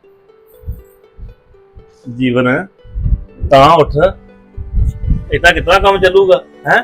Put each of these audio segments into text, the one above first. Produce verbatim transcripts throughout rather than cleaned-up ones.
ਜੀਵਨ ਤਾਂ ਉੱਠ, ਇਦਾਂ ਕਿਤਨਾ ਕੰਮ ਚੱਲੂਗਾ ਹੈ।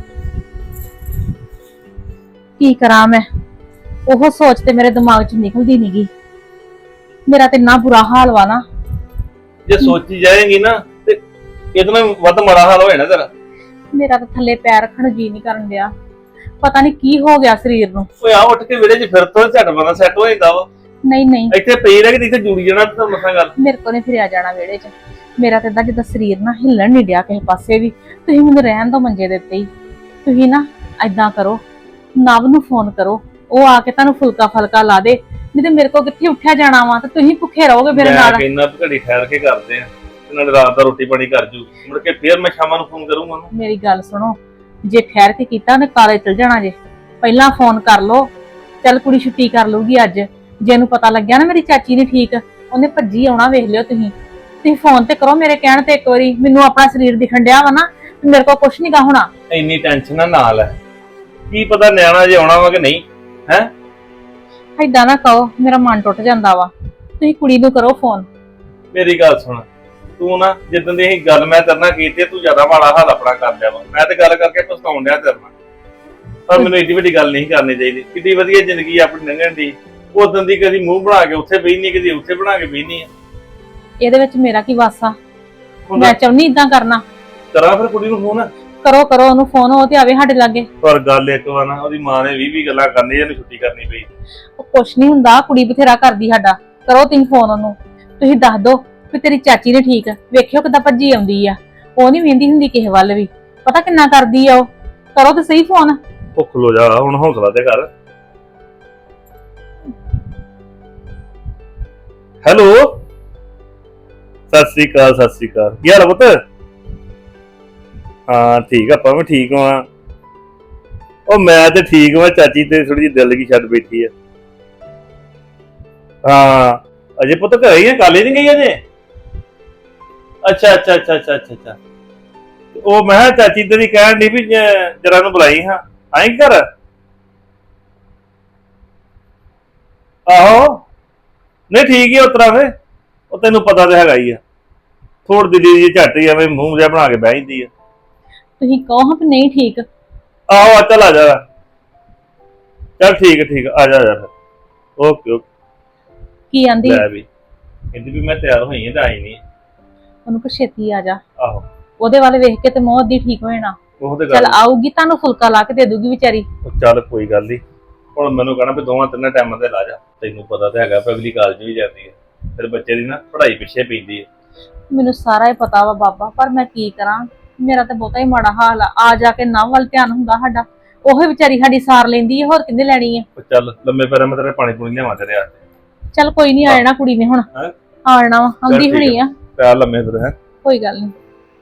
ਕੀ ਕਰਾਂ ਮੈਂ, ਉਹ ਸੋਚ ਤੇ ਮੇਰੇ ਦਿਮਾਗ 'ਚ ਨਿਕਲਦੀ ਨੀ ਗੀ। ਮੇਰਾ ਤੇ ਇੰਨਾ ਬੁਰਾ ਹਾਲ ਵਾ ਨਾ। ਜੇ ਸੋਚੀ ਜਾਏਗੀ ਨਾ ਤੇ ਇਤਨਾ ਵੱਧ ਮਾੜਾ ਹਾਲ ਹੋ ਜਾਣਾ ਤੇਰਾ। ਮੇਰਾ ਤਾਂ ਥੱਲੇ ਪੈਰ ਰੱਖਣ ਨੂੰ ਜੀ ਨਹੀਂ ਕਰਨ ਡਿਆ। ਪਤਾ ਨਹੀਂ ਕੀ ਹੋ ਗਿਆ ਸਰੀਰ ਨੂੰ। ਓਏ ਆ ਉੱਠ ਕੇ ਵਿਹੜੇ 'ਚ ਫਿਰ ਤੋਂ ਝਟ ਬਣਾ ਸੈੱਟ ਹੋ ਜਾਂਦਾ ਵਾ। ਨਹੀਂ ਨਹੀਂ, ਇੱਥੇ ਪਈ ਰਹਿ ਕੇ ਇੱਥੇ ਜੁੜੀ ਜਾਣਾ ਤੇ ਮਸਾਂ ਗੱਲ। ਮੇਰੇ ਕੋਲ ਨਹੀਂ ਫਿਰਿਆ ਜਾਣਾ ਵਿਹੜੇ 'ਚ। ਮੇਰਾ ਤਾਂ ਏਦਾਂ ਜਿੱਦਾਂ ਸਰੀਰ ਨਾ ਹਿੱਲਣ ਨਹੀਂ ਡਿਆ ਕਿਸੇ ਪਾਸੇ ਵੀ। ਤੁਸੀਂ ਮੈਨੂੰ ਰਹਿਣ ਦੋ ਮੰਜੇ ਦੇ ਉੱਤੇ ਹੀ। ਤੁਸੀਂ ਨਾ ਏਦਾਂ ਕਰੋ, ਨਵ ਨੂੰ ਫੋਨ ਕਰੋ, ਉਹ ਆ ਕੇ ਤੁਹਾਨੂੰ ਫੁਲਕਾ ਫਲਕਾ ਲਾ ਦੇ। ਨਹੀਂ ਤੇ ਮੇਰੇ ਕੋਲ ਕਿੱਥੇ ਉੱਠਿਆ ਜਾਣਾ ਵਾ ਤੇ ਤੁਸੀਂ ਭੁੱਖੇ ਰਹੋਗੇ ਮੇਰੇ ਨਾਲ। ਮੈਂ ਕਹਿੰਦਾ ਘੜੀ ਠਹਿਰ ਕੇ ਕਰਦੇ ਆ, ਤੇ ਨਾਲੇ ਰਾਤ ਦਾ ਰੋਟੀ ਪਾਣੀ ਕਰ ਜੂ, ਮੁੜ ਕੇ ਫੇਰ ਮੈਂ ਸ਼ਾਮਾਂ ਨੂੰ ਫੋਨ ਕਰੂੰਗਾ ਉਹਨੂੰ। ਮੇਰੀ ਗੱਲ ਸੁਣੋ, ਜੇ ਠਹਿਰ ਕੇ ਕੀਤਾ ਉਹਨੇ ਕਾਲੇ ਚਲ ਜਾਣਾ ਜੇ। ਪਹਿਲਾਂ ਫੋਨ ਕਰ ਲੋ, ਚੱਲ ਕੁੜੀ ਛੁੱਟੀ ਕਰ ਲੂਗੀ ਅੱਜ। ਜੇ ਇਹਨੂੰ ਪਤਾ ਲੱਗਿਆ ਨਾ ਮੇਰੀ ਚਾਚੀ ਨਹੀਂ ਠੀਕ, ਉਹਨੇ ਭੱਜੀ ਆਉਣਾ। ਵੇਖ ਲਿਓ ਤੁਸੀਂ ਤੁਸੀਂ ਫੋਨ ਤੇ ਕਰੋ ਮੇਰੇ ਕਹਿਣ ਤੇ ਇੱਕ ਵਾਰੀ। ਮੈਨੂੰ ਆਪਣਾ ਸਰੀਰ ਦਿਖਣ ਡਿਆ ਵਾ ਨਾ, ਮੇਰੇ ਕੋਲ ਕੁਛ ਨੀ ਗਾ ਹੋਣਾ। ਇੰਨੀ ਟੈਨਸ਼ਨ ਨਾ ਨਾਲ ਹੈ, ਕੀ ਪਤਾ ਨਿਆਣਾ ਜੇ ਆਉਣਾ ਵਾ ਕਿ ਨਹੀਂ ਹੈ। ਏਦਾਂ ਨਾ ਕਹੋ, ਮੇਰਾ ਮਨ ਟੁੱਟ ਜਾਂਦਾ ਵਾ। ਤੁਸੀਂ ਕੁੜੀ ਨੂੰ ਕਰੋ ਫੋਨ। ਮੇਰੀ ਗੱਲ ਸੁਣ, ਤੂੰ ਨਾ ਜਿੱਦਾਂ ਦੀ ਇਹ ਗੱਲ ਮੈਂ ਤੇਰੇ ਨਾਲ ਕੀਤੀ, ਤੂੰ ਜ਼ਿਆਦਾ ਮਾੜਾ ਹਾਲ ਆਪਣਾ ਕਰ ਲਿਆ ਵਾ। ਮੈਂ ਤੇ ਗੱਲ ਕਰਕੇ ਪਛਤਾਉਣ ਡਿਆ ਤੇਰੇ ਨਾਲ, ਪਰ ਮੈਨੂੰ ਏਡੀ ਵੱਡੀ ਗੱਲ ਨਹੀਂ ਕਰਨੀ ਚਾਹੀਦੀ। ਕਿੰਨੀ ਵਧੀਆ ਜ਼ਿੰਦਗੀ ਆਪਣੀ ਲੰਘਣ ਦੀ, ਉਦੋਂ ਦੀ ਕਦੀ ਮੂੰਹ ਬਣਾ ਕੇ ਉੱਥੇ ਬਹਿਨੀ, ਕਦੀ ਉੱਥੇ ਬਣਾ ਕੇ ਬਹਿਨੀ ਆ। ਇਹਦੇ ਵਿੱਚ ਮੇਰਾ ਕੀ ਵਾਸਾ? ਮੈਂ ਚਾਹੁੰਨੀ ਇਦਾਂ ਕਰਨਾ। ਕਰਾਂ ਫਿਰ ਕੁੜੀ ਨੂੰ ਫੋਨ? ਕਰੋ ਕਰੋ ਉਹਨੂੰ ਫੋਨ, ਉਹ ਤੇ ਆਵੇ ਸਾਡੇ ਲਾਗੇ। ਪਰ ਗੱਲ ਇੱਕ ਵਾਰ ਨਾ, ਉਹਦੀ ਮਾਂ ਨੇ ਵੀਹ ਵੀਹ ਗੱਲਾਂ ਕਰਨੀ, ਇਹਨੂੰ ਛੁੱਟੀ ਕਰਨੀ ਪਈ। ਉਹ ਕੁਛ ਨਹੀਂ ਹੁੰਦਾ, ਕੁੜੀ ਬਥੇਰਾ ਕਰਦੀ ਸਾਡਾ। ਕਰੋ ਤੁਸੀਂ ਫੋਨ ਉਹਨੂੰ, ਤੁਸੀਂ ਦੱਸ ਦੋ ਵੀ ਤੇਰੀ ਚਾਚੀ ਨੇ ਠੀਕ। ਵੇਖਿਓ ਕਿੱਦਾਂ ਭੱਜੀ ਆਉਂਦੀ ਆ, ਉਹ ਨਹੀਂ ਵੇਂਦੀ ਹੁੰਦੀ ਕਿਸੇ ਵੱਲ ਵੀ। ਪਤਾ ਕਿੰਨਾ ਕਰਦੀ ਆ ਉਹ। ਕਰੋ ਤੇ ਸਹੀ ਫੋਨ। ਭੁੱਖ ਲੋ ਜਾ ਹੁਣ, ਹੌਸਲਾ ਤੇ ਕਰ। ਹੈਲੋ, ਸਤਿ ਸ੍ਰੀ ਅਕਾਲ। ਸਤਿ ਸ੍ਰੀ ਅਕਾਲ। ਕੀ ਹਾਲ ਆ ਪੁੱਤ? ਹਾਂ ਠੀਕ ਆ, ਆਪਾਂ ਵੀ ਠੀਕ ਹਾਂ। ਉਹ ਮੈਂ ਤੇ ਠੀਕ ਹਾਂ, ਚਾਚੀ ਤੇ ਥੋੜੀ ਜਿਹੀ ਦਿਲ ਕੀ ਛੱਡ ਬੈਠੀ ਆ। ਹਾਂ ਅਜੇ ਪੁੱਤ ਘਰੇ ਹੀ ਆ, ਕਾਲੇ ਨਹੀਂ ਗਈ ਅਜੇ? ਅੱਛਾ ਅੱਛਾ ਅੱਛਾ ਅੱਛਾ ਅੱਛਾ ਅੱਛਾ। ਉਹ ਮੈਂ ਕਿਹਾ ਚਾਚੀ ਤੇਰੀ ਕਹਿਣ ਦੀ ਵੀ ਜਰਾ ਨੂੰ ਬੁਲਾਈ ਹਾਂ, ਆਈ ਘਰ? ਆਹੋ ਨਹੀਂ ਠੀਕ ਹੀ ਉਤਰਾ ਫੇ, ਉਹ ਤੈਨੂੰ ਪਤਾ ਤਾਂ ਹੈਗਾ ਹੀ ਆ, ਥੋੜ ਦਿੱਲੀ ਜੀ ਝੱਟ ਹੀ ਐਵੇਂ ਮੂੰਹ ਜਿਹਾ ਬਣਾ ਕੇ ਬਹਿ ਜਾਂਦੀ ਆ। ਤੁਸੀਂ ਕਹੋ ਹਾਂ ਵੀ ਨਹੀਂ ਠੀਕ। ਆਹੋ ਚੱਲ ਆ ਜਾ, ਚੱਲ ਠੀਕ ਹੈ ਠੀਕ ਆ ਜਾ ਆ ਜਾ ਫਿਰ। Okay okay. ਕੀ ਆਂਦੀ? ਲੈ ਵੀ ਕਹਿੰਦੀ ਵੀ ਮੈਂ ਤਿਆਰ ਹੋਈ ਹਾਂ ਤੇ ਆਈ ਨਹੀਂ। ਉਹਨੂੰ ਕੋ ਛੇਤੀ ਆ ਜਾ। ਆਹੋ ਉਹਦੇ ਵੱਲ ਵੇਖ ਕੇ ਤੇ ਮੋਹ ਅੱਧੀ ਠੀਕ ਹੋ ਜਾਣਾ। ਉਹ ਤੇ ਚੱਲ ਗੱਲ ਆਊਗੀ, ਤੁਹਾਨੂੰ ਫੁਲਕਾ ਲਾ ਕੇ ਦੇ ਦੂਗੀ ਵਿਚਾਰੀ। ਚੱਲ ਕੋਈ ਗੱਲ ਨਹੀਂ, ਹੁਣ ਮੈਨੂੰ ਕਹਿਣਾ ਵੀ ਦੋਵਾਂ ਤਿੰਨਾਂ ਟਾਈਮਾਂ ਤੇ ਲਾ ਜਾ। ਤੈਨੂੰ ਪਤਾ ਤਾਂ ਹੈਗਾ, ਅਗਲੀ ਕਾਲਜ ਵੀ ਜਾਂਦੀ ਹੈ, ਫਿਰ ਬੱਚੇ ਦੀ ਨਾ ਪੜ੍ਹਾਈ ਪਿੱਛੇ ਪੈਂਦੀ ਹੈ। ਮੈਨੂੰ ਸਾਰਾ ਹੀ ਪਤਾ ਵਾ ਬਾਬਾ, ਪਰ ਮੈਂ ਕੀ ਕਰਾਂ। ਮੇਰਾ ਤਾਂ ਬਹੁਤਾ ਹੀ ਮਾੜਾ ਹਾਲ ਆ। ਆ ਜਾ ਕੇ ਨਵ ਵੱਲ ਧਿਆਨ ਹੁੰਦਾ ਸਾਡਾ, ਉਹ ਵਿਚਾਰੀ ਸਾਡੀ ਸਾਰ ਲੈਂਦੀ ਹੈ, ਹੋਰ ਕਿੰਨੇ ਲੈਣੀ ਹੈ। ਚੱਲ ਲੰਮੇ ਪੈਰਾਂ ਮੈਂ ਤੇਰੇ ਪਾਣੀ ਪੂਣੀ ਲਿਆਵਾਂ ਤੇਰੇ ਆ। ਚੱਲ ਕੋਈ ਨਹੀਂ, ਆ ਜਾਣਾ ਕੁੜੀ ਨੇ ਹੁਣ। ਆ ਜਾਣਾ ਵਾ, ਆਉਂਦੀ ਹੋਣੀ ਆ। ਪਿਆਰ ਲੰਮੇ ਫਿਰ ਹੈ, ਕੋਈ ਗੱਲ ਨਹੀਂ।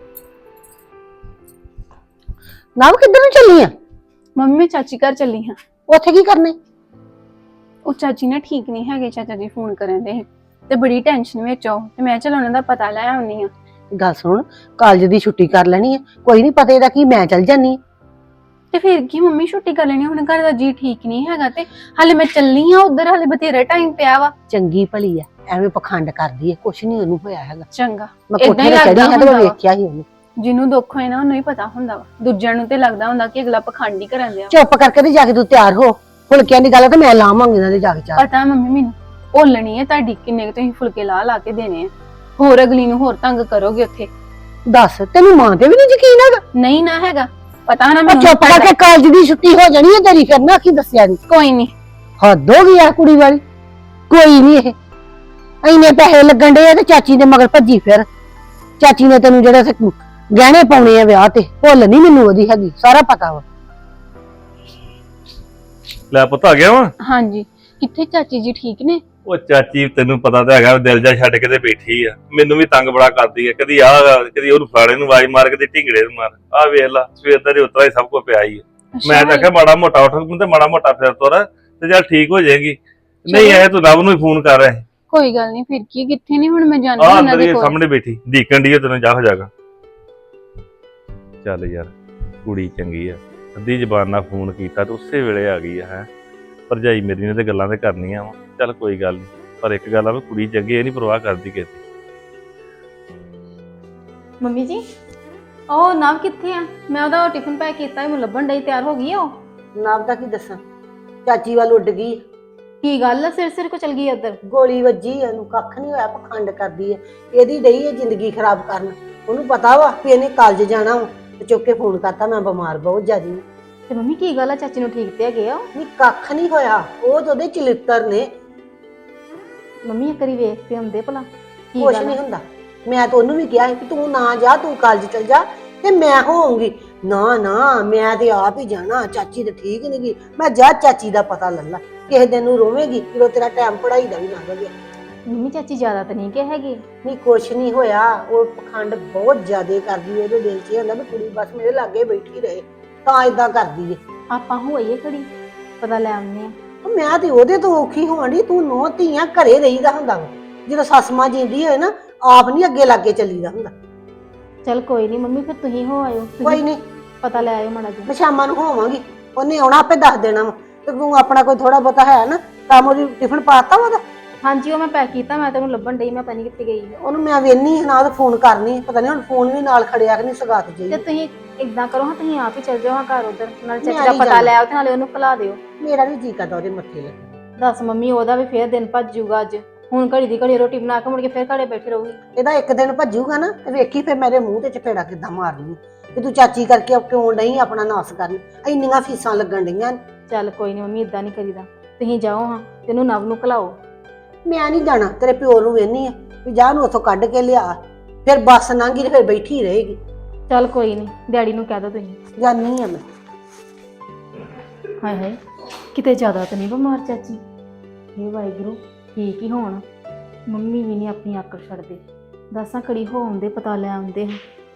ਨਵ ਕਿੱਧਰ ਨੂੰ ਚੱਲੀ ਆ? ਮੰਮੀ ਚਾਚੀ ਘਰ ਚੱਲੀ ਹਾਂ। ਉੱਥੇ ਕੀ ਕਰਨੇ? ਉਹ ਚਾਚੀ ਨਾ ਠੀਕ ਨਹੀਂ ਹੈਗੇ, ਚਾਚਾ ਜੀ ਫੋਨ ਕਰਨ ਦੇ ਤੇ ਬੜੀ ਟੈਨਸ਼ਨ ਵਿੱਚ ਆਓ, ਤੇ ਮੈਂ ਚਲ ਉਹਨਾਂ ਦਾ ਪਤਾ ਲੈ ਆਉਣੀ ਆ। ਗੱਲ ਸੁਣ, ਕਾਲਜ ਦੀ ਛੁੱਟੀ ਕਰ ਲੈਣੀ ਆ, ਕੋਈ ਨਹੀਂ ਪਤਾ ਇਹਦਾ ਕੀ, ਮੈਂ ਚੱਲ ਜਾਨੀ। ਤੇ ਫਿਰ ਕੀ ਮੰਮੀ, ਛੁੱਟੀ ਕਰ ਲੈਣੀ, ਹੁਣ ਘਰ ਦਾ ਜੀ ਠੀਕ ਨਹੀਂ ਹੈਗਾ ਤੇ ਹਾਲੇ ਮੈਂ ਚੱਲਨੀ ਆ ਉਧਰ, ਹਾਲੇ ਬਥੇਰਾ ਟਾਈਮ ਪਿਆ ਵਾ। ਚੰਗੀ ਭਲੀ ਆ, ਐਵੇਂ ਪਖੰਡ ਕਰਦੀ ਹੈ, ਕੁਛ ਨਹੀਂ ਉਹਨੂੰ ਹੋਇਆ ਹੈਗਾ। ਚੰਗਾ, ਮੈਂ ਏਦਾਂ ਕੋਠੇ ਹੀ ਤੇ ਚੜੀ ਲੱਗਦਾ ਹਾਂ ਤੇ ਮੈਂ ਹੁੰਦਾ ਵਾ। ਵੇਖਿਆ ਸੀ ਉਹਨੂੰ। ਜਿਹਨੂੰ ਦੁੱਖ ਹੋਏ ਨਾ ਉਹਨੂੰ ਹੀ ਪਤਾ ਹੁੰਦਾ ਵਾ, ਦੂਜਿਆਂ ਨੂੰ ਤੇ ਲੱਗਦਾ ਹੁੰਦਾ ਕਿ ਅਗਲਾ ਪਖੰਡ ਹੀ ਕਰਨ ਦਿਆ। ਚੁੱਪ ਕਰਕੇ ਤੇ ਜਾ ਕੇ ਤੂੰ ਤਿਆਰ ਹੋ, ਫੁਲਕਿਆਂ ਦੀ ਗੱਲ ਤੇ ਮੈਂ ਲਾਵਾਂਗੀ ਇਹਨਾਂ ਦੇ ਜਾ ਕੇ ਚਾਹ। ਪਤਾ ਮੰਮੀ ਮੈਨੂੰ ਭੁੱਲਣੀ ਹੈ ਤੁਹਾਡੀ, ਕਿੰਨੇ ਕੁ ਤੁਸੀਂ ਫੁਲਕੇ ਲਾ ਲਾ ਕੇ ਦੇਣੇ ਆ, ਹੋਰ ਅਗਲੀ ਨੂੰ ਹੋਰ ਤੰਗ ਕਰੋਗੇ ਉੱਥੇ। ਦੱਸ, ਤੈਨੂੰ ਮਾਂ ਤੇ ਵੀ ਨਹੀਂ ਯਕੀਨ ਹੈਗਾ? ਨਹੀਂ ਨਾ ਹੈਗਾ, ਪਤਾ ਨਾ ਉਹ ਮੈਨੂੰ। ਚੁੱਪ ਕਰਕੇ ਕਾਲਜ ਦੀ ਛੁੱਟੀ ਹੋ ਜਾਣੀ ਹੈ ਤੇਰੀ, ਫਿਰ ਨਾ ਕੀ ਦੱਸਿਆ ਨਹੀਂ। ਕੋਈ ਨਹੀਂ, ਹੱਦ ਹੋ ਗਈ ਆ ਕੁੜੀ ਵਾਲੀ। ਕੋਈ ਨਹੀਂ, ਇਹ ਇੰਨੇ ਪੈਸੇ ਲੱਗਣ ਡੇ ਆ ਤੇ ਚਾਚੀ ਦੇ ਮਗਰ ਭੱਜੀ ਫਿਰ। ਚਾਚੀ ਨੇ ਤੈਨੂੰ ਜਿਹੜਾ ਸੇ ਗਹਿਣੇ ਪਾਉਣੇ ਆ ਵਿਆਹ ਤੇ, ਭੁੱਲ ਨਹੀਂ ਮੈਨੂੰ ਉਹਦੀ ਹੈਗੀ, ਸਾਰਾ ਪਤਾ ਵਾ। ਲੈ ਪੁੱਤ ਆ ਗਿਆ ਵਾ। ਹਾਂਜੀ, ਕਿੱਥੇ ਚਾਚੀ ਜੀ ਠੀਕ ਨੇ? ਉਹ ਚਾਚੀ ਤੈਨੂੰ ਪਤਾ ਤਾਂ ਹੈਗਾ, ਦਿਲ ਜਾ ਛੱਡ ਕੇ ਤੇ ਬੈਠੀ ਆ, ਮੈਨੂੰ ਵੀ ਤੰਗ ਬੜਾ ਕਰਦੀ ਆ। ਕਦੀ ਆਹ ਕਦੀ ਉਹਨੂੰ ਫਾੜੇ ਨੂੰ ਆਵਾਜ਼ ਮਾਰ, ਕਦੀ ਢਿੰਗੜੇ ਨੂੰ ਮਾਰ। ਆਹ ਵੇਖ ਲਾ, ਸਵੇਰ ਦਾ ਉਤਰਾ ਹੀ ਸਭ ਕੁਝ ਪਿਆ ਹੀ ਆ। ਮੈਂ ਤਾਂ ਆਖਿਆ ਮਾੜਾ ਮੋਟਾ ਉੱਠ ਤੇ ਮਾੜਾ ਮੋਟਾ ਫਿਰ ਤੁਰ ਤੇ ਚੱਲ ਠੀਕ ਹੋ ਜਾਏਗੀ। ਨਹੀਂ ਇਹ ਤੂੰ ਰੱਬ ਨੂੰ ਹੀ ਫੋਨ ਕਰ ਰਿਹਾ। ਕੋਈ ਗੱਲ ਨਹੀਂ, ਫਿਰ ਕੀ, ਕਿੱਥੇ ਨਹੀਂ, ਹੁਣ ਮੈਂ ਜਾਂਦੀ ਆ ਉਹਨਾਂ ਅੰਦਰ ਦੇ ਹੀ ਕੋਲ। ਸਾਹਮਣੇ ਬੈਠੀ ਢੀਕਣ ਦੀ ਤੈਨੂੰ, ਜਾ ਹੋ ਜਾਗਾ। ਚੱਲ ਯਾਰ ਕੁੜੀ ਚੰਗੀ ਆ, ਅੱਧੀ ਜ਼ਬਾਨ ਨਾਲ ਫੋਨ ਕੀਤਾ ਤੇ ਉਸੇ ਵੇਲੇ ਆ ਗਈ ਆ। ਹੈ ਭਰਜਾਈ ਮੇਰੀ ਨੇ ਤੇ ਗੱਲਾਂ ਤੇ ਕਰਨੀਆਂ ਵਾ, ਚੱਲ ਕੋਈ ਗੱਲ ਨਹੀਂ। ਪਰ ਇੱਕ ਗੱਲ ਆ ਵੀ ਕੁੜੀ ਚੰਗੀ, ਇਹ ਨਹੀਂ ਪਰਵਾਹ ਕਰਦੀ ਕਿਸੇ ਦੀ। ਮੰਮੀ ਜੀ ਉਹ ਨਵ ਕਿੱਥੇ ਆ? ਮੈਂ ਉਹਦਾ ਟਿਫਨ ਪੈਕ ਕੀਤਾ ਸੀ, ਮੈਨੂੰ ਲੱਭਣ ਡਈ। ਤਿਆਰ ਹੋ ਗਈ ਆ ਉਹ? ਨਾਮ ਦਾ ਕੀ ਦੱਸਾਂ, ਚਾਚੀ ਵੱਲ ਉੱਡ ਗਈ। ਕੀ ਗੱਲ ਆ, ਸਿਰ ਸਿਰ ਕੋ ਚਲ ਗਈ ਉਧਰ? ਗੋਲੀ ਵੱਜੀ, ਇਹਨੂੰ ਕੱਖ ਨਹੀਂ ਹੋਇਆ, ਪਖੰਡ ਕਰਦੀ ਹੈ। ਇਹਦੀ ਡਈ ਹੈ ਜ਼ਿੰਦਗੀ ਖਰਾਬ ਕਰਨ। ਉਹਨੂੰ ਪਤਾ ਵਾ ਵੀ ਇਹਨੇ ਕਾਲਜ ਜਾਣਾ ਵਾ, ਤੇ ਚੁੱਕ ਕੇ ਫੋਨ ਕਰਤਾ ਮੈਂ ਬਿਮਾਰ ਬਹੁਤ ਜ਼ਿਆਦੀ। ਤੇ ਮੰਮੀ ਕੀ ਗੱਲ ਆ, ਚਾਚੀ ਨੂੰ ਠੀਕ ਤੇ ਹੈਗੇ ਆ? ਨਹੀਂ ਕੱਖ ਨਹੀਂ ਹੋਇਆ, ਉਹ ਤਾਂ ਉਹਦੇ ਚਲਿੱਤਰ ਨੇ। ਮੰਮੀ ਇੱਕ ਵਾਰੀ ਵੇਖ ਕੇ ਆਉਂਦੇ ਭਲਾ ਕੀ ਕੁਛ ਗੱਲ ਨਹੀਂ ਆ? ਹੁੰਦਾ। ਮੈਂ ਤਾਂ ਉਹਨੂੰ ਵੀ ਕਿਹਾ ਸੀ ਕਿ ਤੂੰ ਨਾ ਜਾ, ਤੂੰ ਕਾਲਜ ਚਲ ਜਾ ਤੇ ਮੈਂ ਹੋਊਂਗੀ। ਨਾ ਨਾ ਮੈਂ ਤੇ ਆਪ ਹੀ ਜਾਣਾ, ਚਾਚੀ ਤੇ ਠੀਕ ਨਹੀਂ ਗਈ। ਮੈਂ ਜਾ ਚਾਚੀ ਦਾ ਪਤਾ ਲੈ ਲਾ, ਕਿਸੇ ਦਿਨ ਨੂੰ ਰੋਵੇਂਗੀ ਜਦੋਂ ਤੇਰਾ ਟਾਈਮ ਪੜ੍ਹਾਈ ਦਾ ਵੀ ਲੰਘ ਗਿਆ। ਮੰਮੀ ਚਾਚੀ ਜ਼ਿਆਦਾ ਤਾਂ ਨਹੀਂ ਕਿ ਹੈਗੀ? ਨਹੀਂ ਕੁਛ ਨਹੀਂ ਹੋਇਆ, ਉਹ ਪਖੰਡ ਬਹੁਤ ਜ਼ਿਆਦਾ ਕਰਦੀ। ਉਹਦੇ ਦਿਲ 'ਚ ਇਹ ਹੁੰਦਾ ਵੀ ਕੁੜੀ ਬਸ ਮੇਰੇ ਲਾਗੇ ਬੈਠੀ ਰਹੇ, ਤਾਂ ਇਦਾਂ ਕਰਦੀ ਏ। ਆਪਾਂ ਹੋਈਏ ਖੜੀ, ਪਤਾ ਲੈ ਆਉਂਦੇ ਆ। ਉਹ ਮੈਂ ਤੇ ਉਹਦੇ ਤੋਂ ਔਖੀ ਹੋਣ ਡਈ, ਤੂੰ ਨੌ ਧੀਆਂ ਘਰੇ ਰਹੀਦਾ ਹੁੰਦਾ ਵਾ। ਜਦੋਂ ਸੱਸ ਮਾਂ ਜਿੰਦੀ ਹੋਏ ਨਾ, ਆਪ ਨਹੀਂ ਅੱਗੇ ਲਾਗੇ ਚੱਲੀਦਾ ਹੁੰਦਾ। ਚਲ ਕੋਈ ਨਹੀਂ ਮੰਮੀ, ਫਿਰ ਤੁਸੀਂ ਹੋ ਆਇਓ, ਤੁਸੀਂ ਕੋਈ ਨਹੀਂ, ਪਤਾ ਲੈ ਆਇਓ ਮਾੜਾ ਜਿਹਾ। ਮੈਂ ਸ਼ਾਮਾਂ ਨੂੰ ਹੋਵਾਂਗੀ, ਉਹਨੇ ਆਉਣਾ ਆਪੇ ਦੱਸ ਦੇਣਾ ਵਾ। ਤੇ ਤੂੰ ਆਪਣਾ ਕੋਈ ਥੋੜਾ ਬਹੁਤਾ ਹੈ ਨਾ ਕੰਮ, ਉਹਦੀ ਟਿਫਨ ਪਾਤਾ ਵਾ ਉਹਦਾ? ਹਾਂਜੀ ਉਹ ਮੈਂ ਪੈਕ ਕੀਤਾ, ਮੈਂ ਤੈਨੂੰ ਲੱਭਣ ਡਈ, ਮੈਂ ਪਤਾ ਨਹੀਂ ਕਿੱਥੇ ਗਈ ਆ। ਉਹਨੂੰ ਮੈਂ ਵੇਹਨੀ ਨਾ ਉਹਦਾ ਫੋਨ ਕਰਨੀ, ਪਤਾ ਨਹੀਂ ਹੁਣ ਫੋਨ ਵੀ ਨਾਲ ਖੜਿਆ ਕਿ ਨਹੀਂ ਸਗਾਤ ਤੇ ਜਾਈ। ਤੁਸੀਂ ਇਦਾਂ ਕਰੋ ਹਾਂ, ਤੁਸੀਂ ਆਪ ਹੀ ਚੱਲ ਜਾਓ ਹਾਂ ਘਰ ਉਧਰ, ਨਾਲ ਚਾਚੀ ਮੈਂ ਦਾ ਨਹੀਂ ਪਤਾ ਜਾਣਾ। ਲੈ ਆਓ ਤੇ ਨਾਲੇ ਉਹਨੂੰ ਭੁਲਾ ਦਿਓ। ਮੇਰਾ ਵੀ ਜੀ ਕਰਦਾ ਉਹਦੇ ਮੱਥੇ ਲੱਗੇ। ਦੱਸ ਮੰਮੀ, ਉਹਦਾ ਵੀ ਫੇਰ ਦਿਨ ਭੱਜ ਜਾਊਗਾ ਅੱਜ। ਹੁਣ ਘੜੀ ਦੀ ਘੜੀ ਰੋਟੀ ਬਣਾ ਕੇ ਮੁੜ ਕੇ ਫੇਰ ਘਰੇ ਬੈਠੇ ਰਹੂਗੀ। ਇਹਦਾ ਇੱਕ ਦਿਨ ਭੱਜੂਗਾ ਨਾ ਤੇ ਵੇਖੀ ਫਿਰ ਮੇਰੇ ਮੂੰਹ ਤੇ ਚਪੇੜਾ ਕਿੱਦਾਂ ਮਾਰਨੀ ਕਿ ਤੂੰ ਚਾਚੀ ਕਰਕੇ ਕਿਉਂ ਨਹੀਂ ਆਪਣਾ ਨਾਸ ਕਰਨ। ਇੰਨੀਆਂ ਫੀਸਾਂ ਲੱਗਣ ਡਈਆਂ। ਚੱਲ ਕੋਈ ਨਹੀਂ ਮੰਮੀ, ਇਦਾਂ ਨਹੀਂ ਕਰੀਦਾ। ਤੁਸੀਂ ਜਾਓ ਹਾਂ, ਤੈਨੂੰ ਨਵ ਨੂੰ ਘਲਾਓ। ਮੈਂ ਨਹੀਂ ਜਾਣਾ, ਤੇਰੇ ਪਿਓ ਨੂੰ ਵੇਹਨੀ ਆ ਵੀ ਜਾ ਨੂੰ ਉੱਥੋਂ ਕੱਢ ਕੇ ਲਿਆ। ਫਿਰ ਬੱਸ ਲੰਘੀ ਤੇ ਫਿਰ ਬੈਠੀ ਰਹੇਗੀ। ਚੱਲ ਕੋਈ ਨਹੀਂ, ਡੈਡੀ ਨੂੰ ਕਹਿ ਦੋ ਤੁਸੀਂ। ਜਾਨੀ ਆ ਮੈਂ। ਹਾਏ ਹਾਏ, ਕਿਤੇ ਜ਼ਿਆਦਾ ਤਾਂ ਨਹੀਂ ਬਿਮਾਰ ਚਾਚੀ? ਇਹ ਵਾਹਿਗੁਰੂ ਠੀਕ ਹੀ ਹੋਣ। ਮੰਮੀ ਵੀ ਨਹੀਂ ਆਪਣੀ ਆਕੜ ਛੱਡਦੇ। ਦੱਸਾਂ ਕੜੀ ਹੋ ਆਉਂਦੇ, ਪਤਾ ਲੈ ਆਉਂਦੇ।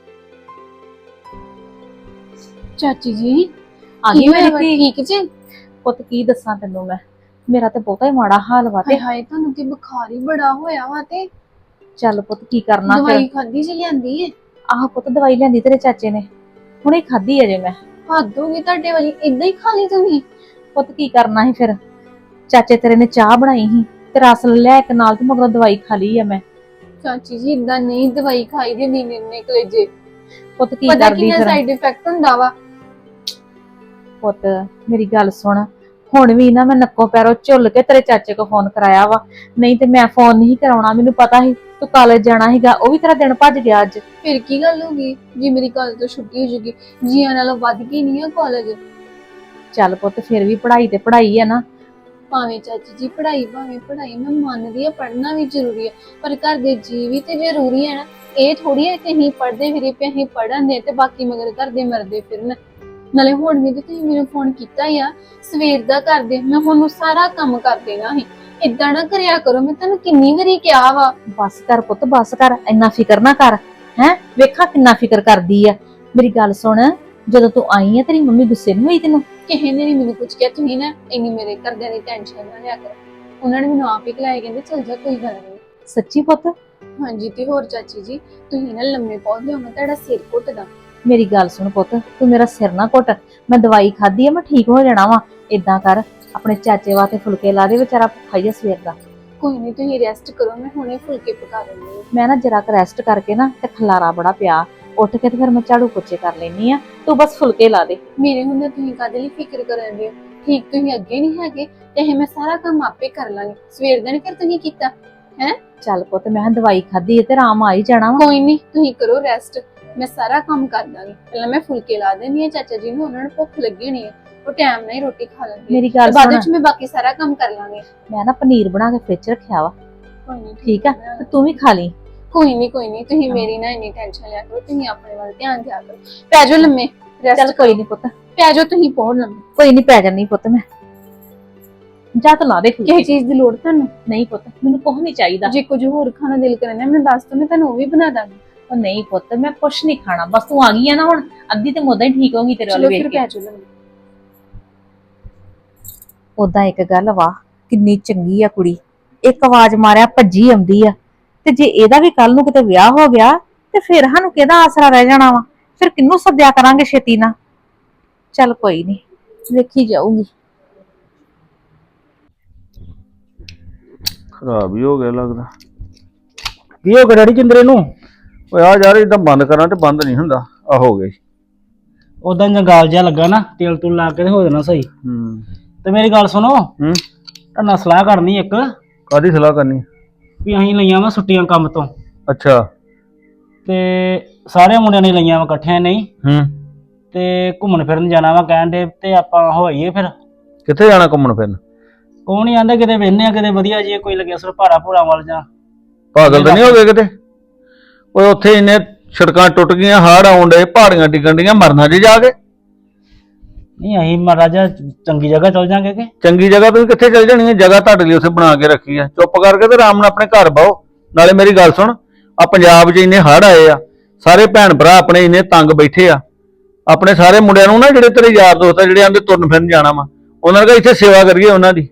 ਚਾਚੀ ਜੀ ਆ ਗਈ ਮੇਰੀ ਧੀ? ਠੀਕ ਜੀ? ਪੁੱਤ ਕੀ ਦੱਸਾਂ ਤੈਨੂੰ ਮੈਂ, ਮੇਰਾ ਤੇ ਬਹੁਤਾ ਹੀ ਮਾੜਾ ਹਾਲ ਵਾ। ਤੇ ਹਾਏ ਤੁਹਾਨੂੰ ਤੇ ਬੁਖਾਰ ਹੀ ਬੜਾ ਹੋਇਆ ਵਾ। ਤੇ ਚੱਲ ਪੁੱਤ ਕੀ ਕਰਨਾ ਫਿਰ। ਦਵਾਈ ਖਾਦੀ ਜੀ ਲਿਆਂਦੀ ਏ? ਆਹ ਪੁੱਤ ਦਵਾਈ ਲਿਆਂਦੀ ਤੇਰੇ ਚਾਚੇ ਨੇ, ਹੁਣੇ ਖਾਧੀ ਅਜੇ ਮੈਂ। ਹੱਦ ਹੋ ਗਈ ਤੁਹਾਡੇ ਵਾਲੀ, ਇਦਾਂ ਹੀ ਖਾ ਲਈ ਤੁਸੀਂ? ਪੁੱਤ ਕੀ ਕਰਨਾ ਸੀ ਫਿਰ, ਚਾਚੇ ਤੇਰੇ ਨੇ ਚਾਹ ਬਣਾਈ ਸੀ ਤੇ ਰਸ ਲਿਆ ਇੱਕ ਨਾਲ, ਤੇ ਮਗਰੋਂ ਦਵਾਈ ਖਾ ਲਈ ਆ ਮੈਂ। ਚਾਚੀ ਜੀ ਇਦਾਂ ਨਹੀਂ ਦਵਾਈ ਖਾਈ ਦੀ, ਨੀਂਦ ਨੇ ਕਲੇਜੇ। ਪੁੱਤ ਕੀ ਪਤਾ ਕਰਦੀ ਕਿੰਨਾ ਫਿਰ। ਸਾਈਡ ਇਫੈਕਟ ਹੁੰਦਾ ਵਾ। ਪੁੱਤ ਮੇਰੀ ਗੱਲ ਸੁਣ, ਹੁਣ ਵੀ ਨਾ ਮੈਂ ਨੱਕੋ ਪੈਰੋਂ ਝੁੱਲ ਕੇ ਤੇਰੇ ਚਾਚੇ ਕੋ ਫੋਨ ਕਰਾਇਆ ਵਾ, ਨਹੀਂ ਤੇ ਮੈਂ ਫੋਨ ਨਹੀਂ ਕਰਾਉਣਾ। ਮੈਨੂੰ ਪਤਾ ਸੀ ਤੂੰ ਕਾਲਜ ਜਾਣਾ ਸੀਗਾ, ਉਹ ਵੀ ਤੇਰਾ ਦਿਨ ਭੱਜ ਗਿਆ ਅੱਜ। ਫਿਰ ਕੀ ਗੱਲ ਹੋ ਗਈ ਜੀ, ਮੇਰੀ ਕਾਲਜ ਤੋਂ ਛੁੱਟੀ ਹੋ ਜੂਗੀ? ਜੀਆਂ ਨਾਲੋਂ ਵੱਧ ਕੇ ਨਹੀਂ ਆ ਕਾਲਜ। ਚੱਲ ਪੁੱਤ ਫਿਰ ਵੀ ਪੜ੍ਹਾਈ ਤੇ ਪੜ੍ਹਾਈ ਆ ਨਾ। ਭਾਵੇਂ ਚਾਚੀ ਜੀ ਪੜ੍ਹਾਈ ਭਾਵੇਂ ਪੜ੍ਹਾਈ ਮੈਂ ਮੰਨਦੀ ਆ, ਪੜ੍ਹਨਾ ਵੀ ਜ਼ਰੂਰੀ ਹੈ, ਪਰ ਘਰ ਦੇ ਜੀ ਵੀ ਤੇ ਜ਼ਰੂਰੀ ਹੈ ਨਾ। ਇਹ ਥੋੜੀ ਹੈ ਕਿ ਅਸੀਂ ਪੜ੍ਹਦੇ ਫਿਰੇ ਪਏ, ਅਸੀਂ ਪੜ੍ਹਨ ਦੇ ਤੇ ਬਾਕੀ ਮਗਰ ਘਰ ਦੇ ਮਰਦੇ ਫਿਰਨ। ਨਾਲੇ ਹੁਣ ਵੀ ਤੇ ਤੁਸੀਂ ਮੈਨੂੰ ਫੋਨ ਕੀਤਾ ਹੀ ਆ ਸਵੇਰ ਦਾ ਕਰਦੇ, ਮੈਂ ਹੁਣ ਸਾਰਾ ਕੰਮ ਕਰ ਦੇਣਾ ਸੀ। ਏਦਾਂ ਨਾ ਕਰਿਆ ਕਰੋ, ਮੈਂ ਤੁਹਾਨੂੰ ਕਿੰਨੀ ਵਾਰੀ ਕਿਹਾ ਵਾ। ਬਸ ਕਰ ਪੁੱਤ ਬਸ ਕਰ, ਇੰਨਾ ਫਿਕਰ ਨਾ ਕਰ। ਹੈ ਵੇਖਾ ਕਿੰਨਾ ਫਿਕਰ ਕਰਦੀ ਆ। ਮੇਰੀ ਗੱਲ ਸੁਣ, ਜਦੋਂ ਤੂੰ ਆਈ ਆ ਤੇਰੀ ਮੰਮੀ ਗੁੱਸੇ ਨਹੀਂ ਹੋਈ ਤੈਨੂੰ? ਕਿਸੇ ਨੇ ਨੀ ਮੈਨੂੰ ਕੁਝ ਕਿਹਾ। ਤੁਸੀਂ ਨਾ ਇੰਨੀ ਮੇਰੇ ਘਰਦਿਆਂ ਦੀ ਟੈਨਸ਼ਨ ਨਾ ਲਿਆ ਕਰੋ, ਉਹਨਾਂ ਨੇ ਮੈਨੂੰ ਆਪ ਹੀ ਖਿਲਾਏ, ਕਹਿੰਦੇ ਚੱਲ ਜਾ ਕੋਈ ਗੱਲ ਨਹੀਂ। ਸੱਚੀ ਪੁੱਤ? ਹਾਂਜੀ ਤੇ ਹੋਰ ਚਾਚੀ ਜੀ, ਤੁਸੀਂ ਨਾ ਲੰਮੇ ਪੌਦੇ ਹੋ, ਮੈਂ ਤੁਹਾਡਾ ਸਿਰ ਘੁੱਟਦਾ। ਮੇਰੀ ਗੱਲ ਸੁਣ ਪੁੱਤ, ਤੂੰ ਮੇਰਾ ਸਿਰ ਨਾ ਘੁੱਟ। ਮੈਂ ਦਵਾਈ ਖਾਧੀ ਆ, ਮੈਂ ਠੀਕ ਹੋ ਜਾਣਾ ਵਾ। ਏਦਾਂ ਕਰ, ਆਪਣੇ ਚਾਚੇ ਵਾਸਤੇ ਫੁਲਕੇ ਲਾ ਦੇ, ਵਿਚਾਰਾ ਭੁੱਖਾ ਹੀ ਆ ਸਵੇਰ ਦਾ। ਕੋਈ ਨਹੀਂ ਤੁਸੀਂ ਰੈਸਟ ਕਰੋ, ਮੈਂ ਹੁਣੇ ਫੁਲਕੇ ਪਕਾ ਦਿੰਦੀ ਹਾਂ। ਮੈਂ ਨਾ ਜਰਾ ਕੁ ਰੈਸਟ ਕਰਕੇ ਨਾ, ਤੇ ਖਲਾਰਾ ਬੜਾ ਪਿਆ, ਉੱਠ ਕੇ ਤੇ ਫਿਰ ਮੈਂ ਝਾੜੂ ਪੋਚੇ ਕਰ ਲੈਣੀ ਆ। ਤੂੰ ਬਸ ਫੁਲਕੇ ਲਾ ਦੇ। ਮੇਰੇ ਹੁੰਦੇ ਤੁਸੀਂ ਕਾਹਦੇ ਲਈ ਫਿਕਰ ਕਰਨ ਦੇ ਹੋ? ਠੀਕ ਤੁਸੀਂ ਅੱਗੇ ਨਹੀਂ ਹੈਗੇ ਤੇ ਇਹ ਮੈਂ ਸਾਰਾ ਕੰਮ ਆਪੇ ਕਰ ਲਾਂਗੀ। ਸਵੇਰ ਦਾ ਨੀ ਫਿਰ ਤੁਸੀਂ ਕੀਤਾ ਹੈ? ਚੱਲ ਪੁੱਤ, ਮੈਂ ਕਿਹਾ ਦਵਾਈ ਖਾਧੀ ਹੈ ਤੇ ਆਰਾਮ ਆ ਹੀ ਜਾਣਾ ਵਾ। ਕੋਈ ਨਹੀਂ ਤੁਸੀਂ ਕਰੋ ਰੈਸਟ, ਮੈਂ ਸਾਰਾ ਕੰਮ ਕਰ ਦਾਂਗੀ। ਪਹਿਲਾਂ ਮੈਂ ਫੁਲਕੇ ਲਾ ਦੇਣੀ ਆ ਚਾਚਾ ਜੀ ਨੂੰ, ਉਹਨਾਂ ਨੂੰ ਭੁੱਖ ਲੱਗੀ ਹੋਣੀ ਹੈ, ਉਹ ਟਾਈਮ ਨਾਲ ਹੀ ਰੋਟੀ ਖਾ ਲੈਂਦੇ। ਮੇਰੀ ਗੱਲ ਬਾਅਦ ਸੁਣ, ਵਿੱਚ ਮੈਂ ਬਾਕੀ ਸਾਰਾ ਕੰਮ ਕਰ ਲਾਂਗੀ। ਮੈਂ ਨਾ ਪਨੀਰ ਬਣਾ ਕੇ ਫ੍ਰਿਜ ਰੱਖਿਆ ਵਾ, ਕੋਈ ਨਹੀਂ ਠੀਕ ਆ? ਤੇ ਤੂੰ ਵੀ ਖਾ ਲਈ। ਕੋਈ ਨਹੀਂ ਕੋਈ ਨਹੀਂ, ਤੁਸੀਂ ਮੇਰੀ ਨਾ ਇੰਨੀ ਟੈਨਸ਼ਨ ਲਿਆ ਕਰੋ, ਤੁਸੀਂ ਆਪਣੇ ਵੱਲ ਧਿਆਨ ਦਿਆ ਕਰੋ। ਪੈ ਜਾਓ ਲੰਮੇ, ਚੱਲ ਰੈਸਟ ਕੋਈ ਨਹੀਂ ਪੁੱਤ, ਪੈ ਜਾਓ ਤੁਸੀਂ ਬਹੁਤ ਲੰਮੇ। ਕੋਈ ਨਹੀਂ ਪੈ ਜਾਣੀ ਪੁੱਤ, ਮੈਂ ਜਾ ਤਾਂ ਲਾ ਦੇ ਕਿਸੇ ਫੁਲਕੇ। ਚੀਜ਼ ਦੀ ਲੋੜ ਤੁਹਾਨੂੰ? ਨਹੀਂ ਪੁੱਤ, ਮੈਨੂੰ ਕੁਝ ਨਹੀਂ ਚਾਹੀਦਾ। ਜੇ ਕੁਝ ਹੋਰ ਖਾਣਾ ਦਿਲ ਕਰਨਾ ਮੈਨੂੰ ਦੱਸ ਦੋ, ਮੈਂ ਤੁਹਾਨੂੰ ਉਹ ਵੀ ਬਣਾ ਦਾਂਗੀ। ਉਹ ਨਹੀਂ ਪੁੱਤ, ਮੈਂ ਕੁਛ ਨਹੀਂ ਖਾਣਾ, ਬਸ ਤੂੰ ਆ ਗਈ ਆ ਨਾ ਹੁਣ, ਅੱਧੀ ਤੇ ਮੁੱਦਾ ਹੀ ਠੀਕ ਹੋਗੀ ਤੇਰੇ ਵੱਲ ਚਲੋ ਵੇਖ ਫਿਰ ਕੇ। ਪੈ ਜਾਓ ਲੰਮੇ। ਉਦਾਂ ਇੱਕ ਗੱਲ ਵਾ, ਕਿੰਨੀ ਚੰਗੀ ਆ ਕੁੜੀ, ਇੱਕ ਆਵਾਜ਼ ਮਾਰਿਆ ਭੱਜੀ ਆਉਂਦੀ ਆ। ਤੇ ਜੇ ਇਹਦਾ ਵੀ ਕੱਲ ਨੂੰ ਕਿਤੇ ਵਿਆਹ ਹੋ ਗਿਆ ਤੇ ਫਿਰ ਸਾਨੂੰ ਕਿਹਦਾ ਆਸਰਾ ਰਹਿ ਜਾਣਾ ਵਾ? ਫਿਰ ਕਿਹਨੂੰ ਸੱਦਿਆ ਕਰਾਂਗੇ ਛੇਤੀ ਨਾਲ? ਚੱਲ ਕੋਈ ਨਹੀਂ, ਵੇਖੀ ਜਾਊਗੀ। ਖਰਾਬ ਹੀ ਹੋ ਗਿਆ ਲੱਗਦਾ। ਕੀ ਹੋ ਗਿਆ ਡੈਡੀ ਜਿੰਦਰੇ ਨੂੰ? ਓਏ ਆ ਯਾਰ ਇਦਾਂ ਬੰਦ ਕਰਾਂ ਤੇ ਬੰਦ ਨਹੀਂ ਹੁੰਦਾ। ਆ ਹੋ ਗਈ। ਉਦਾਂ ਜੰਗਾਲ ਜਿਹਾ ਲੱਗਾ ਨਾ, ਤੇਲ ਤੂਲ ਲਾ ਕੇ ਤੇ ਹੋ ਜਾਣਾ ਸਹੀ। ਹੂੰ ਤੇ ਮੇਰੀ ਗੱਲ ਸੁਣੋ, ਹੂੰ ਤੁਹਾਡੇ ਨਾਲ ਸਲਾਹ ਕਰਨੀ ਇੱਕ, ਕਾਦੀ ਸਲਾਹ ਕਰਨੀ? ਵੀ ਅਸੀਂ ਲਈਆਂ ਵਾ ਛੁੱਟੀਆਂ ਕੰਮ ਤੋਂ, ਅੱਛਾ। ਤੇ ਸਾਰੇ ਮੁੰਡਿਆਂ ਨੇ ਲਈਆਂ ਵਾ ਇਕੱਠਿਆਂ ਨਹੀਂ, ਹੂੰ ਤੇ ਘੁੰਮਣ ਫਿਰਨ ਜਾਣਾ ਵਾ ਕਹਿਣ ਦੇ, ਤੇ ਆਪਾਂ ਹੋਈਏ ਫਿਰ। ਕਿੱਥੇ ਜਾਣਾ ਘੁੰਮਣ ਫਿਰਨ? ਉਹ ਨਹੀਂ ਆਂਦਾ ਕਿਤੇ ਵੇਹਨੇ ਆ ਕਿਤੇ ਵਧੀਆ ਜੀ ਕੋਈ ਲੱਗਿਆ ਸਰ ਭਾਰਾ ਭੂਰਾ ਵੱਲ ਜਾ। ਪਾਗਲ ਤਾਂ ਨਹੀਂ ਹੋ ਗਏ ਕਿਤੇ? ਓਏ ਉੱਥੇ ਇੰਨੇ ਸੜਕਾਂ ਟੁੱਟ ਗਈਆਂ, ਹੜ੍ਹ ਆਉਣ ਡੇ, ਪਹਾੜੀਆਂ ਡਿੱਗਣ ਡੀਆਂ, ਮਰਨਾ ਜੀ ਜਾ ਕੇ। ਨਹੀਂ ਅਸੀਂ ਮਹਾਰਾਜਾ ਚੰਗੀ ਜਗ੍ਹਾ ਚਲ ਜਾਂਗੇ ਕਿ? ਚੰਗੀ ਜਗ੍ਹਾ ਤੁਸੀਂ ਕਿੱਥੇ ਚਲ ਜਾਣੀ ਹੈ? ਜਗ੍ਹਾ ਤੁਹਾਡੇ ਲਈ ਉੱਥੇ ਬਣਾ ਕੇ ਰੱਖੀ ਆ। ਚੁੱਪ ਕਰਕੇ ਤੇ ਆਰਾਮ ਨਾਲ ਆਪਣੇ ਘਰ ਬਾਓ। ਨਾਲੇ ਮੇਰੀ ਗੱਲ ਸੁਣ, ਆ ਪੰਜਾਬ 'ਚ ਇੰਨੇ ਹੜ੍ਹ ਆਏ ਆ, ਸਾਰੇ ਭੈਣ ਭਰਾ ਆਪਣੇ ਇੰਨੇ ਤੰਗ ਬੈਠੇ ਆ। ਆਪਣੇ ਸਾਰੇ ਮੁੰਡਿਆਂ ਨੂੰ ਨਾ, ਜਿਹੜੇ ਤੇਰੇ ਯਾਰ ਦੋਸਤ ਆ ਜਿਹੜੇ ਆਂਦੇ ਤੁਰਨ ਫਿਰਨ ਜਾਣਾ ਵਾ, ਉਹਨਾਂ ਦਾ ਇੱਥੇ ਸੇਵਾ ਕਰੀਏ ਉਹਨਾਂ ਦੀ।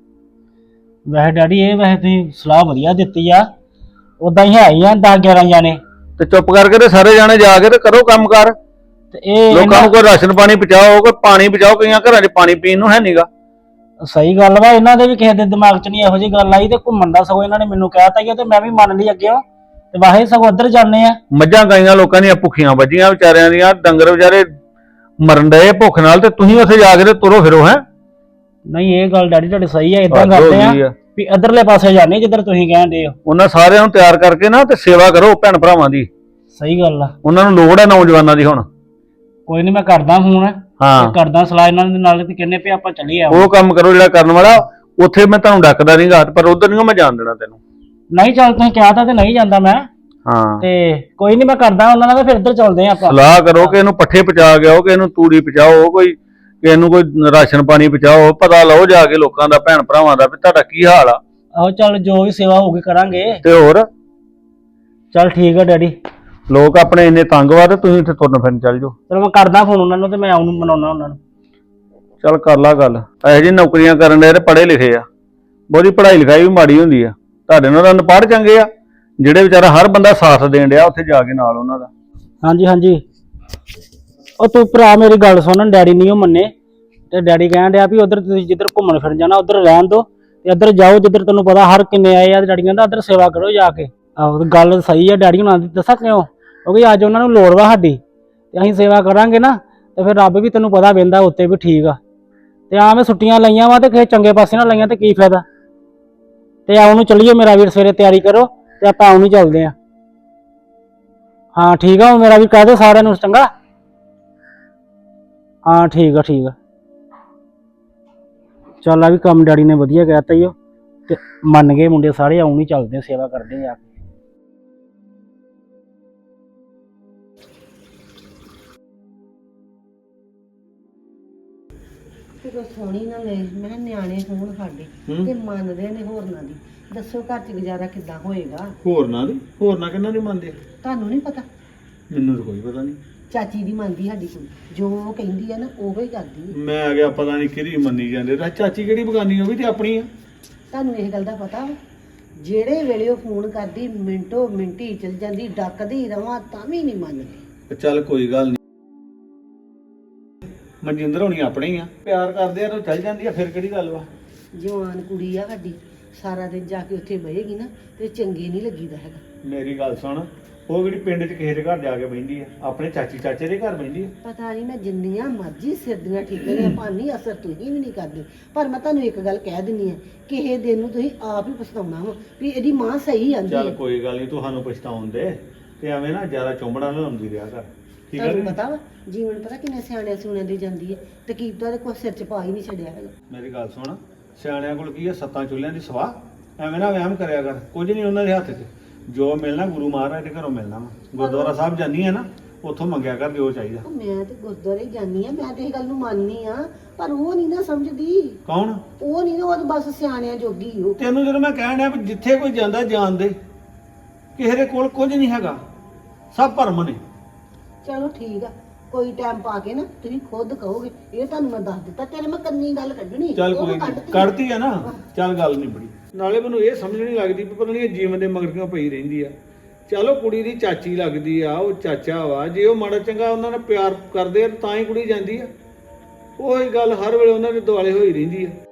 ਵੈਸੇ ਡੈਡੀ ਇਹ ਵੈਸੇ ਤੁਸੀਂ ਸਲਾਹ ਵਧੀਆ ਦਿੱਤੀ ਆ, ਉਦਾਂ ਹੀ ਹੈ ਹੀ ਆ ਦਸ ਗਿਆਰਾਂ ਜਾਣੇ। ਤੇ ਚੁੱਪ ਕਰਕੇ ਤੇ ਸਾਰੇ ਜਾਣੇ ਜਾ ਕੇ ਤੇ ਕਰੋ ਕੰਮ ਕਾਰ। ਤੇ ਇਹ ਲੋਕਾਂ ਨੂੰ ਕੋਈ ਰਾਸ਼ਨ ਪਾਣੀ ਪਹੁੰਚਾਓ, ਕੋਈ ਪਾਣੀ ਪਹੁੰਚਾਓ। ਕਈਆਂ ਘਰਾਂ 'ਚ ਪਾਣੀ ਪੀਣ ਨੂੰ ਹੈ ਨਹੀਂਗਾ। ਸਹੀ ਗੱਲ ਵਾ, ਇਹਨਾਂ ਦੇ ਵੀ ਕਿਸੇ ਦੇ ਦਿਮਾਗ 'ਚ ਨਹੀਂ ਇਹੋ ਜਿਹੀ ਗੱਲ ਆਈ, ਤੇ ਘੁੰਮਣ ਦਾ ਸਗੋਂ ਇਹਨਾਂ ਨੇ ਮੈਨੂੰ ਕਹਿਤਾ ਹੀ, ਤੇ ਮੈਂ ਵੀ ਮੰਨ ਲਈ ਅੱਗੇ। ਤੇ ਵਾਹੇ ਸਗੋਂ ਉੱਧਰ ਜਾਂਦੇ ਆ। ਮੱਝਾਂ ਗਾਈਆਂ ਲੋਕਾਂ ਦੀਆਂ ਭੁੱਖੀਆਂ ਵੱਜੀਆਂ ਵਿਚਾਰਿਆਂ ਦੀਆਂ, ਡੰਗਰ ਵਿਚਾਰੇ ਮਰਨ ਡਏ ਭੁੱਖ ਨਾਲ, ਤੇ ਤੁਸੀਂ ਉੱਥੇ ਜਾ ਕੇ ਤੇ ਤੁਰੋ ਫਿਰੋ। ਹੈ ਨਹੀਂ ਇਹ ਗੱਲ ਡੈਡੀ ਤੁਹਾਡੀ ਸਹੀ ਆ, ਇਦਾਂ ਕਰਦੇ ਆ ਵੀ ਇੱਧਰਲੇ ਪਾਸੇ ਜਾਂਦੇ ਜਿੱਧਰ ਤੁਸੀਂ ਕਹਿੰਦੇ ਹੋ। ਉਹਨਾਂ ਸਾਰਿਆਂ ਨੂੰ ਤਿਆਰ ਕਰਕੇ ਨਾ ਤੇ ਸੇਵਾ ਕਰੋ ਭੈਣ ਭਰਾਵਾਂ ਦੀ। ਸਹੀ ਗੱਲ ਆ, ਉਹਨਾਂ ਨੂੰ ਲੋੜ ਹੈ ਨੌਜਵਾਨਾਂ ਦੀ ਹੁਣ। ਕੋਈ ਨਹੀਂ ਮੈਂ ਕਰਦਾ ਫੋਨ, ਹਾਂ ਕਰਦਾ ਸਲਾਹ ਇਹਨਾਂ ਦੇ ਨਾਲ, ਤੇ ਕਹਿੰਦੇ ਵੀ ਆਪਾਂ ਚੱਲੀਏ। ਉਹ ਕੰਮ ਕਰੋ ਜਿਹੜਾ ਕਰਨ ਵਾਲਾ। ਉੱਥੇ ਮੈਂ ਤੁਹਾਨੂੰ ਡੱਕਦਾ ਨਹੀਂਗਾ, ਪਰ ਉਧਰ ਨਹੀਂ ਮੈਂ ਜਾਣ ਦੇਣਾ ਤੈਨੂੰ। ਨਹੀਂ ਚੱਲ ਤੁਸੀਂ ਕਿਹਾ ਤਾਂ ਤੇ ਨਹੀਂ ਜਾਂਦਾ ਮੈਂ। ਹਾਂ ਤੇ ਕੋਈ ਨਹੀਂ ਮੈਂ ਕਰਦਾ ਉਹਨਾਂ ਨਾਲ, ਤੇ ਫਿਰ ਇੱਧਰ ਚੱਲਦੇ ਆ ਆਪਾਂ। ਸਲਾਹ ਕਰੋ ਕਿ ਇਹਨੂੰ ਪੱਠੇ ਪਚਾ ਕੇ ਆਓ, ਕਿ ਇਹਨੂੰ ਤੂੜੀ ਪਚਾਓ, ਕੋਈ ਕਿ ਇਹਨੂੰ ਕੋਈ ਰਾਸ਼ਨ ਪਾਣੀ ਪਹੁੰਚਾਓ। ਪਤਾ ਲਓ ਜਾ ਕੇ ਲੋਕਾਂ ਦਾ, ਭੈਣ ਭਰਾਵਾਂ ਦਾ, ਵੀ ਤੁਹਾਡਾ ਕੀ ਹਾਲ ਆ। ਆਹੋ ਚੱਲ ਜੋ ਵੀ ਸੇਵਾ ਹੋਊਗੀ ਕਰਾਂਗੇ। ਤੇ ਹੋਰ ਚੱਲ ਠੀਕ ਆ ਡੈਡੀ, ਲੋਕ ਆਪਣੇ ਇੰਨੇ ਤੰਗ ਵਾ ਤੇ ਤੁਸੀਂ ਇੱਥੇ ਤੁਰਨ ਫਿਰਨ ਚੱਲ ਜਾਓ। ਚਲੋ ਮੈਂ ਕਰਦਾ ਫੋਨ ਉਹਨਾਂ ਨੂੰ, ਤੇ ਮੈਂ ਆਉਂ ਮਨਾਉਣਾ ਉਹਨਾਂ ਨੂੰ। ਚੱਲ ਕਰ ਲਾ ਗੱਲ। ਇਹੋ ਜਿਹੀ ਨੌਕਰੀਆਂ ਕਰਨ ਦੇ ਤੇ ਪੜ੍ਹੇ ਲਿਖੇ ਆ, ਬਹੁਤੀ ਪੜ੍ਹਾਈ ਲਿਖਾਈ ਵੀ ਮਾੜੀ ਹੁੰਦੀ ਆ। ਤੁਹਾਡੇ ਨਾਲ ਤਾਂ ਅਨਪੜ੍ਹ ਚੰਗੇ ਆ, ਜਿਹੜੇ ਵਿਚਾਰਾ ਹਰ ਬੰਦਾ ਸਾਥ ਦੇਣ ਡਿਆ ਉੱਥੇ ਜਾ ਕੇ ਨਾਲ ਉਹਨਾਂ ਦਾ। ਹਾਂਜੀ ਹਾਂਜੀ। ਉਹ ਤੂੰ ਭਰਾ ਮੇਰੀ ਗੱਲ ਸੁਣ, ਡੈਡੀ ਨਹੀਂ ਉਹ ਮੰਨੇ, ਤੇ ਡੈਡੀ ਕਹਿਣ ਡਿਆ ਵੀ ਉਧਰ ਤੁਸੀਂ ਜਿੱਧਰ ਘੁੰਮਣ ਫਿਰਨ ਜਾਣਾ ਉਧਰ ਰਹਿਣ ਦੋ, ਤੇ ਇੱਧਰ ਜਾਓ ਜਿੱਧਰ ਤੈਨੂੰ ਪਤਾ ਹਰ ਕਿੰਨੇ ਆਏ ਆ। ਤੇ ਡੈਡੀ ਕਹਿੰਦਾ ਉੱਧਰ ਸੇਵਾ ਕਰੋ ਜਾ ਕੇ। ਆਹੋ ਗੱਲ ਸਹੀ ਆ ਡੈਡੀ ਹੁਣਾਂ ਦੀ, ਦੱਸਾਂ ਕਿਉਂ? ਕਿਉਂਕਿ ਅੱਜ ਉਹਨਾਂ ਨੂੰ ਲੋੜ ਵਾ ਸਾਡੀ, ਤੇ ਅਸੀਂ ਸੇਵਾ ਕਰਾਂਗੇ ਨਾ, ਤੇ ਫਿਰ ਰੱਬ ਵੀ ਤੈਨੂੰ ਪਤਾ ਵਹਿੰਦਾ ਉੱਤੇ ਵੀ ਠੀਕ ਆ। ਤੇ ਆ ਮੈਂ ਛੁੱਟੀਆਂ ਲਈਆਂ ਵਾ, ਤੇ ਕਿਸੇ ਚੰਗੇ ਪਾਸੇ ਨਾਲ ਲਈਆਂ ਤੇ ਕੀ ਫਾਇਦਾ। ਤੇ ਆਉਣ ਨੂੰ ਚੱਲੀਏ ਮੇਰਾ ਵੀਰ, ਸਵੇਰੇ ਤਿਆਰੀ ਕਰੋ ਤੇ ਆਪਾਂ ਆਉਣ ਨੂੰ ਚੱਲਦੇ ਆ। ਹਾਂ ਠੀਕ ਆ, ਮੇਰਾ ਵੀ ਕਹਿ ਦਿਓ ਸਾਰਿਆਂ ਨੂੰ ਚੰਗਾ। ਹਾਂ ਠੀਕ ਆ ਠੀਕ ਆ। ਚੱਲ ਆ ਵੀ ਕੰਮ ਡੈਡੀ ਨੇ ਵਧੀਆ ਕਹਿਤਾ ਹੀ ਉਹ, ਤੇ ਮੰਨ ਗਏ ਮੁੰਡੇ ਸਾਰੇ। ਆਉਣ ਹੀ ਚੱਲਦੇ ਆ, ਸੇਵਾ ਕਰਦੇ ਆ। ਜਦੋਂ ਸੋਹਣੀ ਨਾ ਲੈ ਮੈਂ ਨਿਆਣੇ ਹੋਣ ਸਾਡੇ ਤੇ ਮੰਨਦੇ ਨੇ ਹੋਰਨਾਂ ਦੀ, ਦੱਸੋ ਘਰ 'ਚ ਗੁਜ਼ਾਰਾ ਕਿੱਦਾਂ ਹੋਏਗਾ? ਹੋਰਨਾਂ ਦੀ? ਹੋਰਨਾਂ ਕਿੰਨਾਂ ਦੀ ਮੰਨਦੇ? ਤੁਹਾਨੂੰ ਨਹੀਂ ਪਤਾ? ਮੈਨੂੰ ਤਾਂ ਕੋਈ ਪਤਾ ਨਹੀਂ। ਚਾਚੀ ਦੀ ਮੰਨਦੀ ਸਾਡੀ ਕੁੜੀ, ਜੋ ਉਹ ਕਹਿੰਦੀ ਆ ਨਾ ਉਹੋ ਹੀ ਕਰਦੀ ਆ। ਮੈਂ ਆ ਗਿਆ ਪਤਾ ਨਹੀਂ ਕਿਹਦੀ ਮੰਨੀ ਜਾਂਦੇ। ਚਾਚੀ ਕਿਹੜੀ ਬਗਾਨੀ? ਉਹ ਵੀ ਤੇ ਆਪਣੀ ਆ। ਤੁਹਾਨੂੰ ਇਹ ਗੱਲ ਦਾ ਪਤਾ ਵਾ? ਜਿਹੜੇ ਵੇਲੇ ਉਹ ਫੋਨ ਕਰਦੀ ਮਿੰਟੋ ਮਿੰਟੀ ਚਲ ਜਾਂਦੀ, ਡੱਕਦੀ ਰਵਾਂ ਤਾਂ ਵੀ ਨਹੀਂ ਮੰਨਦੀ। ਚੱਲ ਕੋਈ ਗੱਲ ਨਹੀਂ, ਮਨਜਿੰਦਰ ਹੋਣੀ ਆਪਣੇ ਹੀ ਆ, ਪਿਆਰ ਕਰਦੇ ਆ ਤਾਂ ਚੱਲ ਜਾਂਦੀ ਆ, ਫਿਰ ਕਿਹੜੀ ਗੱਲ ਵਾ। ਜਵਾਨ ਕੁੜੀ ਆ ਸਾਡੀ, ਸਾਰਾ ਦਿਨ ਜਾ ਕੇ ਉੱਥੇ ਬਹੇਗੀ ਨਾ ਤੇ ਚੰਗੇ ਨਹੀਂ ਲੱਗੀਦਾ ਹੈਗਾ। ਮੇਰੀ ਗੱਲ ਸੁਣ, ਉਹ ਜਿਹੜੀ ਪਿੰਡ 'ਚ ਕਿਸੇ ਦੇ ਘਰ ਜਾ ਕੇ ਬਹਿੰਦੀ ਆ, ਆਪਣੇ ਚਾਚੀ ਚਾਚੇ ਦੇ ਘਰ ਬਹਿੰਦੀ ਆ। ਪਤਾ ਨਹੀਂ ਮੈਂ ਜਿੰਨੀਆਂ ਮਰਜ਼ੀ ਸਿਰ ਦੀਆਂ ਠੀਕਰੀਆਂ ਭਾਨੀ ਅਸਰ ਤੁਸੀਂ ਵੀ ਨਹੀਂ ਕਰਦੇ, ਪਰ ਮੈਂ ਤੁਹਾਨੂੰ ਇੱਕ ਗੱਲ ਕਹਿ ਦਿੰਨੀ ਆ, ਕਿਸੇ ਦਿਨ ਨੂੰ ਤੁਸੀਂ ਆਪ ਹੀ ਪਛਤਾਉਣਾ ਵਾ ਵੀ ਇਹਦੀ ਮਾਂ ਸਹੀ ਆਂਦੀ ਚੱਲ ਹੈ। ਕੋਈ ਗੱਲ ਨਹੀਂ, ਤੁਹਾਨੂੰ ਪਛਤਾਉਣ ਦੇ, ਤੇ ਐਵੇਂ ਨਾ ਜ਼ਿਆਦਾ ਚੁੰਬੜਾ ਨਾ ਲਾਉਂਦੀ ਰਿਹਾ ਕਰ, ਠੀਕ ਹੈ? ਤੁਹਾਨੂੰ ਪਤਾ ਵਾ ਜੀਵਨ ਪਤਾ ਕਿੰਨੇ ਸਿਆਣਿਆਂ ਸੁਣਿਆਂ ਦੀ ਜਾਂਦੀ ਹੈ, ਤੇ ਕੀਪਤਾ ਦੇ ਕੋਈ ਸਿਰ 'ਚ ਪਾ ਹੀ ਨਹੀਂ ਛੱਡਿਆ ਹੈਗਾ। ਮੇਰੀ ਗੱਲ ਸੁਣ, ਸਿਆਣਿਆਂ ਕੋਲ ਕੀ ਆ? ਸੱਤਾਂ ਚੁੱਲ੍ਹਿਆਂ ਦੀ ਸਵਾਹ। ਐਵੇਂ ਨਾ ਵਹਿਮ ਕਰਿਆ ਕਰ, ਕੁਝ ਨਹੀਂ ਉਹਨਾਂ ਦੇ ਹੱਥ 'ਚ। ਜੋ ਮਿਲਣਾ ਗੁਰੂ ਮਹਾਰਾਜ ਦੇ ਘਰੋਂ ਮਿਲਣਾ ਵਾ। ਗੁਰਦੁਆਰਾ ਸਾਹਿਬ ਜਾਨੀ ਹੈ ਨਾ, ਉੱਥੋਂ ਮੰਗਿਆ ਕਰ ਜੋ ਚਾਹੀਦਾ। ਮੈਂ ਤੇ ਗੁਰਦੁਆਰੇ ਜਾਂਦੀ ਆ, ਮੈਂ ਤੇ ਇਹ ਗੱਲ ਨੂੰ ਮੰਨਨੀ ਆ, ਪਰ ਉਹ ਨਹੀਂ ਨਾ ਸਮਝਦੀ। ਕੌਣ? ਉਹ ਨਹੀਂ ਨਾ, ਉਹ ਤਾਂ ਬਸ ਸਿਆਣਿਆਂ ਜੋਗੀ ਉਹ। ਤੈਨੂੰ ਜਦੋਂ ਮੈਂ ਕਹਿਣ ਡਿਆ ਵੀ ਜਿੱਥੇ ਕੋਈ ਜਾਂਦਾ ਜਾਣ ਦੇ, ਕਿਸੇ ਦੇ ਕੋਲ ਕੁਝ ਨਹੀਂ ਹੈਗਾ, ਸਭ ਭਰਮ ਨੇ। ਚਲੋ ਠੀਕ ਆ, ਕੋਈ ਟਾਈਮ ਪਾ ਕੇ ਨਾ ਤੁਸੀਂ ਖੁਦ ਕਹੋਗੇ। ਇਹ ਤੁਹਾਨੂੰ ਮੈਂ ਦੱਸ ਦਿੱਤਾ, ਤੇਰੇ ਮੈਂ ਕੰਨੀ ਗੱਲ ਕੱਢਣੀ। ਚੱਲ ਉਹ ਕੋਈ ਕੱਢਤੀ। ਨਹੀਂ, ਕੱਢਤੀ ਆ ਨਾ, ਚੱਲ ਗੱਲ ਨਹੀਂ ਬੜੀ। ਨਾਲੇ ਮੈਨੂੰ ਇਹ ਸਮਝ ਨਹੀਂ ਲੱਗਦੀ ਵੀ ਪਤਾ ਨਹੀਂ ਇਹ ਜੀਵਨ ਦੇ ਮਗਰ ਕਿਉਂ ਪਈ ਰਹਿੰਦੀ ਆ। ਚਲੋ ਕੁੜੀ ਦੀ ਚਾਚੀ ਲੱਗਦੀ ਆ, ਉਹ ਚਾਚਾ ਵਾ, ਜੇ ਉਹ ਮਾੜਾ ਚੰਗਾ ਉਹਨਾਂ ਨਾਲ ਪਿਆਰ ਕਰਦੇ ਆ ਤਾਂ ਹੀ ਕੁੜੀ ਜਾਂਦੀ ਆ। ਉਹੀ ਗੱਲ ਹਰ ਵੇਲੇ ਉਹਨਾਂ ਦੇ ਦੁਆਲੇ ਹੋਈ ਰਹਿੰਦੀ ਆ।